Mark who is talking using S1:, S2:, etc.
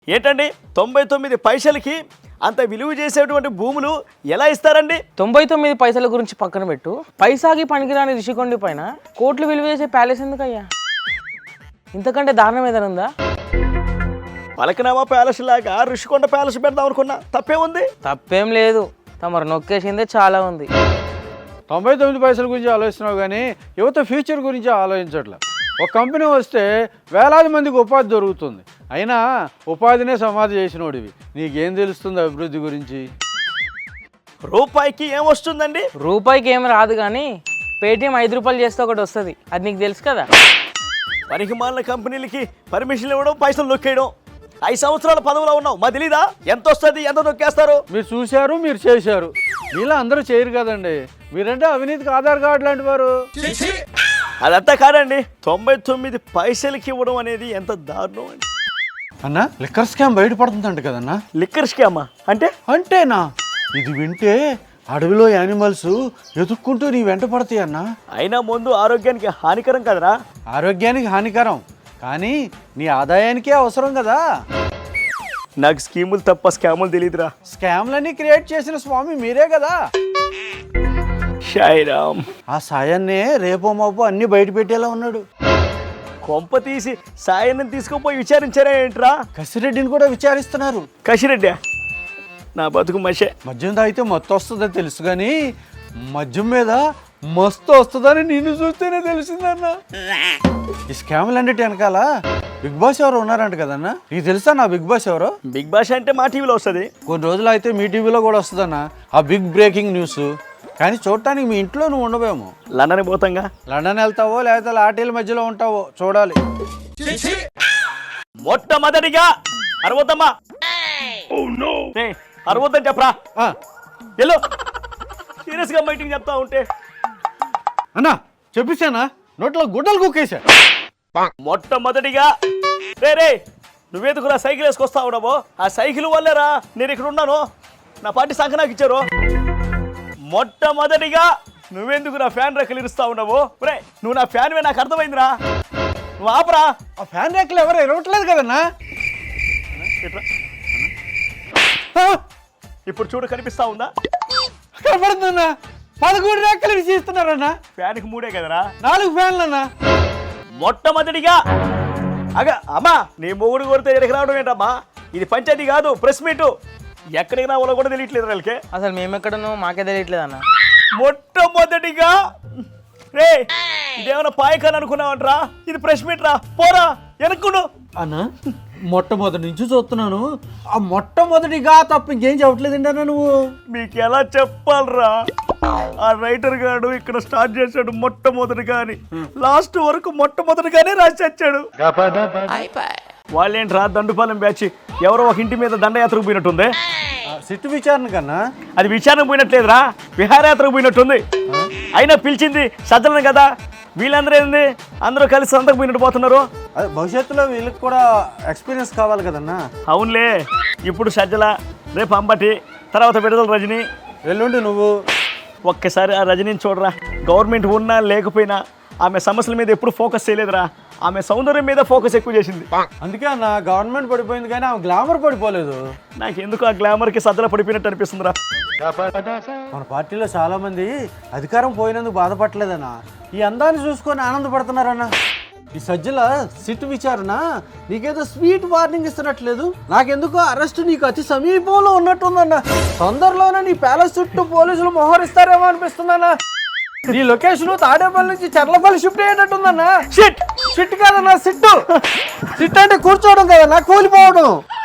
S1: ఏంటండి 99 పైసలకి అంత విలువ చేసేటువంటి భూములు ఎలా ఇస్తారండి?
S2: 99 పైసల గురించి పక్కన పెట్టు, పైసాకి పనికిరాని రిషికొండ పైన కోట్లు విలువ చేసే ప్యాలెస్ ఎందుకయ్యా? ఇంతకంటే దారుణం ఏదైనా ఉందా?
S1: పలకనామా ప్యాలెస్ లాగా ఋషికొండ ప్యాలెస్ పెడదాం అనుకున్నా, తప్పేముంది?
S2: తప్పేం లేదు, తమరు నొక్కేసిందే చాలా ఉంది.
S3: 99 పైసల గురించి ఆలోచిస్తున్నావు కానీ యువత ఫ్యూచర్ గురించి ఆలోచించట్లే. ఒక కంపెనీ వస్తే వేలాది మందికి ఉపాధి దొరుకుతుంది. అయినా ఉపాధినే సమాధి చేసినోడివి, నీకేం తెలుస్తుంది అభివృద్ధి గురించి?
S1: రూపాయికి ఏమొస్తుందండి?
S2: రూపాయికి ఏం రాదు కానీ పేటిఎం 5 రూపాయలు చేస్తే ఒకటి వస్తుంది, అది నీకు తెలుసు కదా.
S1: పనికి మాలిన కంపెనీలకి పర్మిషన్లు ఇవ్వడం, పైసలు నొక్కేయడం. 5 సంవత్సరాల పదవిలో ఉన్నావు, మా తెలీదా ఎంత వస్తుంది, ఎంత నొక్కేస్తారు?
S3: మీరు చూశారు, మీరు చేశారు, మీలా అందరూ చేయరు కదండి. మీరంటే అవినీతికి ఆధార్ కార్డు లాంటి వారు.
S1: అదంతా కాదండి, 99 పైసలకి ఇవ్వడం అనేది ఎంత దారుణం అండి.
S3: అన్న లిక్కర్ స్కామ్ బయటపడుతుందంట కదన్నా.
S1: లిక్కర్ స్కామా అంటే?
S3: అంటేనా? ఇది వింటే అడవిలో యానిమల్స్ ఎదుక్కుంటూ నీ వెంట పడతాయి అన్న.
S1: అయినా ముందు ఆరోగ్యానికి హానికరం కదరా?
S3: ఆరోగ్యానికి హానికరం కానీ నీ ఆదాయానికే అవసరం కదా.
S1: నాకు స్కీములు తప్ప స్కాములు తెలియదురా.
S3: స్కామ్లన్నీ క్రియేట్ చేసిన స్వామి మీరే కదా.
S1: షాయిరామ్.
S3: ఆ సాయాన్నే రేపో మాపో అన్ని బయట పెట్టేలా ఉన్నాడు.
S1: కొంప తీసి సాయాన్ని తీసుకుపోయి విచారించారా ఏంట్రా?
S3: కసిరెడ్డిని కూడా విచారిస్తున్నారు.
S1: కసిరెడ్డి నా బతుకు మషే.
S3: మద్యం తాగితే మత్తు వస్తుందని తెలుసు కానీ మద్యం మీద మస్తు వస్తుందని నిన్ను చూస్తేనే తెలిసిందన్న. ఈ స్కామ్లన్నిటి వెనకాల బిగ్ బాస్ ఎవరు ఉన్నారంట కదన్న. నీకు తెలుసా నా బిగ్ బాస్ ఎవరో?
S1: బిగ్ బాస్ అంటే మా టీవీలో వస్తుంది.
S3: కొన్ని రోజులు అయితే మీ టీవీలో కూడా వస్తుందన్న ఆ బిగ్ బ్రేకింగ్ న్యూస్. కానీ చూడటానికి మీ ఇంట్లో నువ్వు ఉండవేమో.
S1: లండన్ పోతాంగా.
S3: లండన్ వెళ్తావో లేకపోతే లాటీల మధ్యలో ఉంటావో చూడాలి.
S1: మొట్టమొదటిగా అరవద్దమ్మా, అరవద్దని చెప్పరా. ఎల్లో సీరియస్ గా మీటింగ్ చెప్తా ఉంటే
S3: అన్నా చెప్పేశానా, నోట్లో గుడ్డలు కుక్కేసా.
S1: మొట్టమొదటిగా రే నువ్వేందుకురా సైకిల్ వేసుకొస్తా ఉన్నావో? ఆ సైకిల్ వల్లేరా నేను ఇక్కడ ఉన్నాను. నా పార్టీ సంఖ నాకు ఇచ్చారు. మొట్టమొదటిగా నువ్వెందుకు నా ఫ్యాన్ రెక్కలు ఇరుస్తా ఉన్నావు? రే నువ్వు నా ఫ్యాన్వే, నాకు అర్థమైందిరా. నువ్వు ఆపరా.
S3: ఆ ఫ్యాన్ రేకులు ఎవరు ఇరవట్లేదు కదన్నా.
S1: ఇప్పుడు చూడు, కనిపిస్తా ఉందా?
S3: కనపడుతుందన్నా. 11 రేకులు ఇస్తున్నారన్నా.
S1: ఫ్యాన్కి 3 కదరా,
S3: 4 ఫ్యాన్లు అన్నా.
S1: మొట్టమొదటిగా అమ్మా నీ మొగుడు కొడితే ఎక్కడికి రావడం ఏంటమ్మా? ఇది పంచాయతీ కాదు, ప్రెస్ మీటు. ఎక్కడికి రావాలో కూడా తెలియట్లేదు వాళ్ళకి.
S2: అసలు మేమెక్కడనో మాకే తెలియట్లేదు అన్న.
S1: మొట్టమొదటిగా రే ఇదేమన్నా పాయకాని అనుకున్నావంటరా? ఇది ప్రెస్ మీట్ రా, పోరా వెనక్కుడు
S3: అన్నా. మొట్టమొదటి నుంచి చూస్తున్నాను, ఆ మొట్టమొదటిగా తప్ప ఇంకేం చెప్పట్లేదండి అన్న నువ్వు.
S1: మీకు ఎలా చెప్పాలరా? ఆ రైటర్ గాడు ఇక్కడ స్టార్ట్ చేశాడు మొట్టమొదటిగా అని, లాస్ట్ వరకు మొట్టమొదటిగానే రాసి వచ్చాడు. వాళ్ళేంట్రా దండుపాలెం బ్యాచ్ ఎవరో ఒక ఇంటి మీద దండయాత్రకు పోయినట్టుంది.
S3: సిట్టు విచారణ కన్నా
S1: అది విచారణ పోయినట్లేదురా, విహారయాత్రకు పోయినట్టుంది. అయినా పిలిచింది సజ్జలను కదా. వీళ్ళందరూ ఏంది, అందరూ కలిసి సంతకు పోయినట్టు పోతున్నారు.
S3: భవిష్యత్తులో వీళ్ళకి కూడా ఎక్స్పీరియన్స్ కావాలి కదన్నా.
S1: అవునులే, ఇప్పుడు సజ్జల, రేపు అంబటి, తర్వాత విడుదల రజని,
S3: ఎల్లుండి నువ్వు.
S1: ఒక్కసారి ఆ రజనీని చూడరా. గవర్నమెంట్ ఉన్నా లేకపోయినా ఆమె సమస్యల మీద ఎప్పుడు ఫోకస్ చేయలేదురా. ఆమె సౌందర్యం మీద ఫోకస్ ఎక్కువ చేసింది.
S3: అందుకే అన్న గవర్నమెంట్ పడిపోయింది కానీ ఆమె గ్లామర్ పడిపోలేదు.
S1: నాకు ఎందుకు ఆ గ్లామర్కి సజ్జల పడిపోయినట్టు అనిపిస్తుందిరా.
S3: మన పార్టీలో చాలా మంది అధికారం పోయినందుకు బాధపడలేదన్న, ఈ అందాన్ని చూసుకొని ఆనందపడుతున్నారన్న. ఈ సజ్జల సిట్ విచారణ నీకేదో స్వీట్ వార్నింగ్ ఇస్తున్నట్లేదు. నాకెందుకో అరెస్ట్ నీకు అతి సమీపంలో ఉన్నట్టుందన్న. తొందరలోనే నీ ప్యాలెస్ చుట్టూ పోలీసులు మోహరిస్తారేమో అనిపిస్తుందన్న. నీ లొకేషన్ తాడేపల్లి నుంచి చర్లపల్లి షిఫ్ట్ అయ్యేటట్టుందన్న. షిట్ కాదన్నా, సిట్టు. సిట్ అంటే కూర్చోవడం కదన్నా, కూలిపోవడం.